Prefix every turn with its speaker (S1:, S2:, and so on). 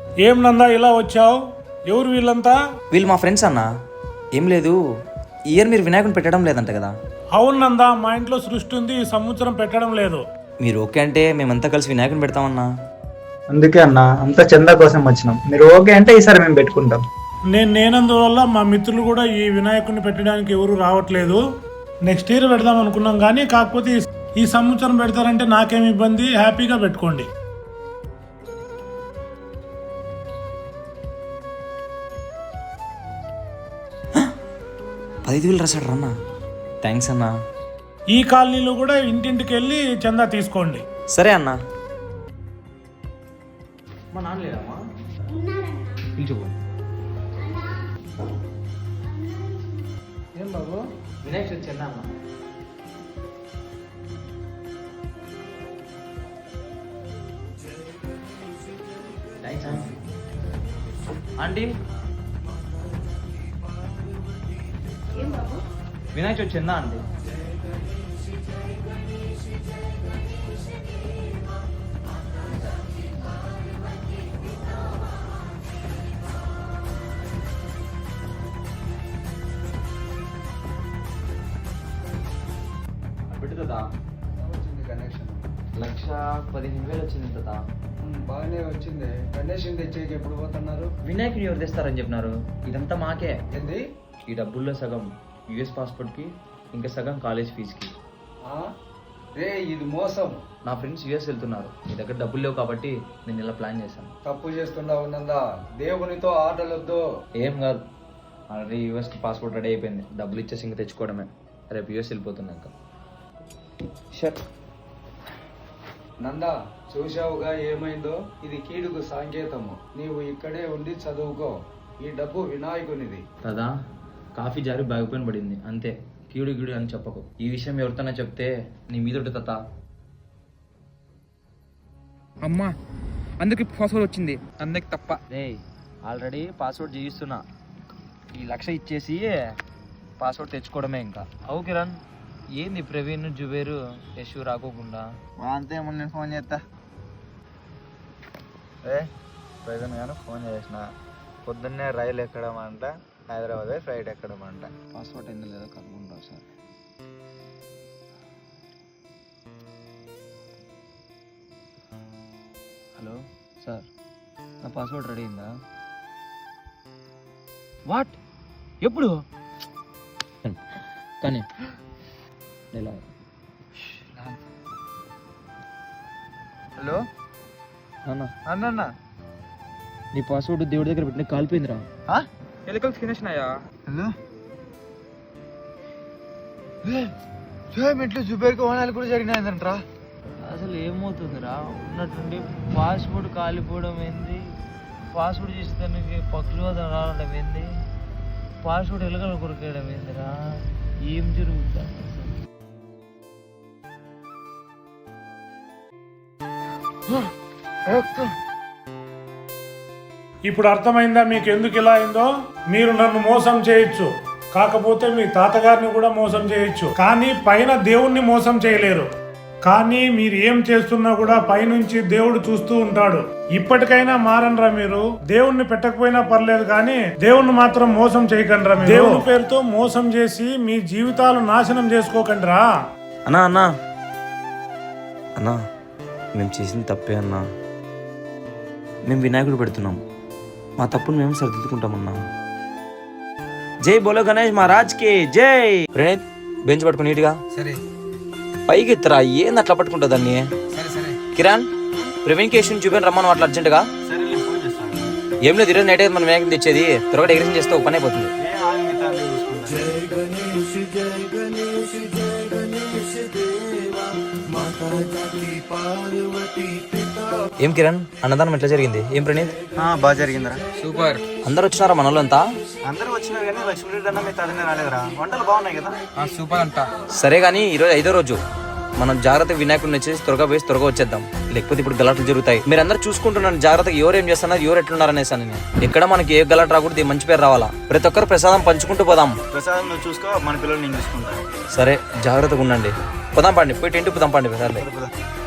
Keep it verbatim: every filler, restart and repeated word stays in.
S1: ఏం నందా ఇలా వచ్చావు? ఎవరు వీళ్ళంతా?
S2: వీళ్ళు మా ఫ్రెండ్స్ అన్న. ఏం లేదు, ఈ ఇయర్ మీరు వినాయకుని పెట్టడం లేదంట కదా?
S1: అవును నందా, మా ఇంట్లో సృష్టి ఉంది, ఈ సంవత్సరం పెట్టడం లేదు.
S2: మీరు ఓకే అంటే మేమంతా కలిసి వినాయకుని పెడతామన్నా.
S3: అందుకే అన్న అంతా చందా కోసం వచ్చినాం. మీరు ఓకే అంటే ఈసారి మేము పెట్టుకుంటాం.
S1: నేను నేనందువల్ల మా మిత్రులు కూడా ఈ వినాయకుడిని పెట్టడానికి ఎవరు రావట్లేదు. నెక్స్ట్ ఇయర్ పెడదాం అనుకున్నాం కానీ కాకపోతే ఈ- ఈ సంవత్సరం పెడతారంటే నాకేం ఇబ్బంది, హ్యాపీగా పెట్టుకోండి.
S2: పదిహేను వేలు రాశాడు రన్న. థ్యాంక్స్ అన్నా.
S1: ఈ కాలనీలో కూడా ఇంటింటికి వెళ్ళి చందా తీసుకోండి.
S2: సరే అన్నా. మా నాన్న లేదమ్మా, పిలుచుకో. ఏం బాబు, వినాయక చవితి చందా అన్న. ఆంటీ, వినాయక చవితి చందా అండి. పెట్టుదా
S4: కనెక్షన్
S2: లక్ష పదిహేను వేలు వచ్చింది తాత.
S4: బాగానే వచ్చింది. కనెక్షన్ తెచ్చేకి ఎప్పుడు పోతున్నారు?
S2: వినాయకుని ఎవరు తెస్తారని చెప్పినారు. ఇదంతా మాకే.
S4: ఏంది?
S2: ఈ డబ్బుల్లో సగం యుఎస్ పాస్పోర్ట్కి, ఇంకా సగం కాలేజ్ ఫీజుకి.
S4: ఆ? రే ఇది మోసం.
S2: నా ఫ్రెండ్స్ యుఎస్ వెళ్తున్నారు, మీ దగ్గర డబ్బులు లేవు కాబట్టి నేను ఇలా ప్లాన్ చేశాను.
S4: తప్పు చేస్తున్నా ఉన్నందా? దేవునితో ఆటలొద్దు.
S2: ఏం కాదు, ఆల్రెడీ యూఎస్కి పాస్పోర్ట్ రెడీ అయిపోయింది. డబ్బులు ఇచ్చేసి ఇంకా తెచ్చుకోవడమే. రేపు యూఎస్ వెళ్ళిపోతున్నాక. షట్.
S4: నందా, చూశావుగా ఏమైందో? ఇది కీడుకు సంకేతము. నీవు ఇక్కడే ఉండి చదువుకో. ఈ డబ్బు వినాయకునిది.
S2: కదా, కాఫీ జారి బాగిపోయిన పడింది అంతే. కీడు గీడు అని చెప్పకు. ఈ విషయం ఎవరితోనే చెప్తే నీ మీదొట్టు తాత.
S5: అమ్మా, అందుకే పాస్వర్డ్ వచ్చింది. అందుకే తప్ప.
S2: రే, ఆల్రెడీ పాస్వర్డ్ చేయిస్తున్నా. ఈ లక్ష ఇచ్చేసి పాస్వర్డ్ తెచ్చుకోవడమే ఇంకా. అవు కిరణ్, ఏంది ప్రవీణ్ జుబేరు యశు రాకోకుండా?
S6: అంతే మొన్న నేను ఫోన్ చేస్తా. ఏ ప్రజెంట్ గాను ఫోన్ చేసిన, పొద్దున్నే రైలు ఎక్కడం అంట, హైదరాబాద్ ఫ్లైట్ ఎక్కడం అంట. పాస్పోర్ట్ ఏంది లేదో కనుక్కుంటావు సార్.
S2: హలో సార్, నా పాస్వర్డ్ రెడీ అయిందా? వాట్? ఎప్పుడు? కానీ ఎలా?
S6: హలో
S2: అన్న,
S6: అన్న,
S2: నీ పాస్వర్డ్ దేవుడి దగ్గర పెట్టిన కాలిపోయిందిరా.
S5: ఎలుకలు తినేసినాయా?
S6: హలో ఇంట్లో జుబేర్కి ఓనాలు కూడా జరిగినాయంటరా.
S2: అసలు ఏమవుతుందిరా? ఉన్నట్టుండి పాస్పోర్ట్ కాలిపోవడం ఏంది, పాస్పోర్ట్ చేసేదానికి పక్షులు రావడం ఏంది, పాస్పోర్ట్ ఎలుకలు కొరికేయడం ఏందిరా? ఏం జరుగుతుంది?
S1: ఇప్పుడు అర్థమైందా మీకు ఎందుకు ఇలా అయిందో? మీరు నన్ను మోసం చేయొచ్చు, కాకపోతే మీ తాతగారిని కూడా మోసం చేయొచ్చు, కానీ పైన దేవుణ్ణి మోసం చేయలేరు. కానీ మీరు ఏం చేస్తున్నా కూడా పైనుంచి దేవుడు చూస్తూ ఉంటాడు. ఇప్పటికైనా మారనరా మీరు. దేవుణ్ణి పెట్టకపోయినా పర్లేదు కానీ దేవుణ్ణి మాత్రం మోసం చేయకండిరా. దేవుని పేరుతో మోసం చేసి మీ జీవితాలు నాశనం చేసుకోకండిరా.
S2: అన్నా అన్నా అన్నా, మేము చేసింది తప్పే అన్నా. మేము వినాయకుడు పెడుతున్నాం, మా తప్పును మేము సరిదిద్దుకుంటామన్నా. జై బోలో గణేష్ మహారాజ్కి జై. ప్రణీత్, బెంచ్ పట్టుకుని నీట్గా
S6: సరే
S2: పైకి ఎత్తరా. ఏంది అట్లా పట్టుకుంటా దాన్ని?
S6: సరే సరే
S2: కిరణ్, ప్రవీణ్ కేషన్ చూపాను రమ్మను అట్లా అర్జెంటుగా.
S6: సరే నేను ఫోన్ చేస్తాను.
S2: ఏం లేదు, ఈరోజు నైట్ అయితే మనం వినాయకుడిని తెచ్చేది. త్వరగా డెకరేషన్ చేస్తే ఒక పని అయిపోతుంది.
S6: ఏ ఆంగితాన్ని చూసుకుంటా.
S2: ఏం కిరణ్, అన్నదానం ఎట్లా జరిగింది? ఏం ప్రణీత్?
S6: బాగా జరిగిందిరా.
S5: సూపర్.
S2: అందరు వచ్చినారా మన వాళ్ళంతా?
S6: అందరూ వచ్చినారు కానీ లక్ష్మీరెడ్డి అన్న మీ తదిన రాలేదురా. వంటలు బాగున్నాయి కదా?
S5: సూపర్ అంట.
S2: సరే కానీ ఈరోజు ఐదో రోజు, మనం జాగ్రత్తగా వినాయకుడిని వచ్చేసి త్వరగా వేసి త్వరగా వచ్చేద్దాం. లేకపోతే ఇప్పుడు గలాట్లు జరుగుతాయి. మీరు అందరూ చూసుకుంటున్నాను జాగ్రత్తగా, ఎవరు ఏం చేస్తున్నారు, ఎవరు ఎట్లున్నారు అనేసి. నేను ఎక్కడ మనకి ఏ గలాట్ రాకూడదు, మంచి పేరు రావాలా. ప్రతి ఒక్కరు ప్రసాదం పంచుకుంటూ పోదాం.
S6: ప్రసాదం నువ్వు చూసుకో, మన పిల్లలు నేను చూసుకుంటా.
S2: సరే, జాగ్రత్తగా ఉండండి. పోదాం పండి, పోయి టెంట్ పోదాం పండి.